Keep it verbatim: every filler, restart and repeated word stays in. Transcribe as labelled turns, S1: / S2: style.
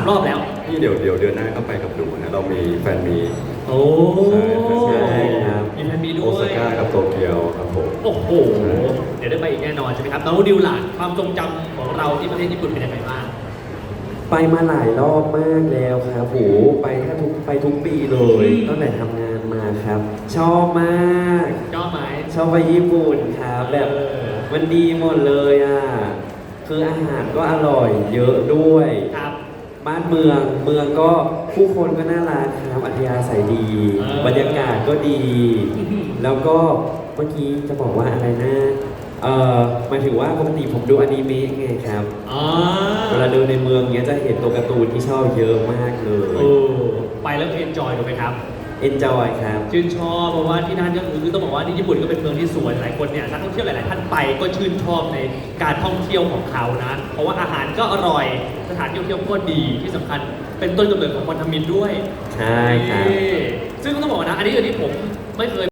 S1: รอบแล้ว
S2: นี่เดี๋ยวเดี๋ยวเดือนหน้าก็ไปกับหนูนะเรามีแฟนมี
S1: โอ้
S2: ใช่ครับ
S1: มีแฟนมีด้
S2: โอ
S1: ว
S2: ซาย ก้ากับโตเกียวครับผม
S1: โอ้โห เดี๋ยวได้ไปอีกแน่นอนใช่ไหมครับน้องดิวล่ะความทรงจำของเราที่ประเทศญี่ปุ่นเป็นยังไงบ้าง
S3: ไปมาหลายรอบมากแล้วครับโหไปแทบทุกไปทุกปีเลย
S1: อืม
S3: ตั้งแต่ทำงานมาครับ ชอบมาก
S1: ชอบไหม
S3: ชอบไปญี่ปุ่นครับแบบ
S1: เออ
S3: มันดีหมดเลยอ่ะคืออาหารก็อร่อยเยอะด้วย
S1: ครับ
S3: บ้านเมืองเมืองก็ผู้คนก็น่ารักครับอัธยาศัยดี
S1: เออ
S3: บรรยากาศก็ดี
S1: อื้อหือ
S3: แล้วก็เมื่อกี้จะบอกว่าอะไรนะเอ่อหมายถึงว่าปกติผมดูอนิเมะไงครับ
S1: อ๋อ
S3: เวลาเดินในเมืองเนี้ยจะเห็นตัวการ์ตูนที่ชอบเยอะมากเล
S1: โอ้
S3: ย
S1: ไปแล้วเอนจอยถูกไหมครับ
S3: enjoy ครับ
S1: ชื่นชอบเพราะว่าที่นั่นก็คือต้องบอกว่าที่ญี่ปุ่นก็เป็นเมืองที่สวยหลายคนเนี่ยนักท่องเที่ยวหลาย ๆ ท่านไปก็ชื่นชอบในการท่องเที่ยวของเขานะเพราะว่าอาหารก็อร่อยสถานที่ท่องเที่ยวก็ดีที่สำคัญเป็นต้นกำเนิดของวันทมินด้วย
S3: ใช่ครับ
S1: นี่ซึ่งต้องบอกนะอันนี้อันนี้ผมไม่เคย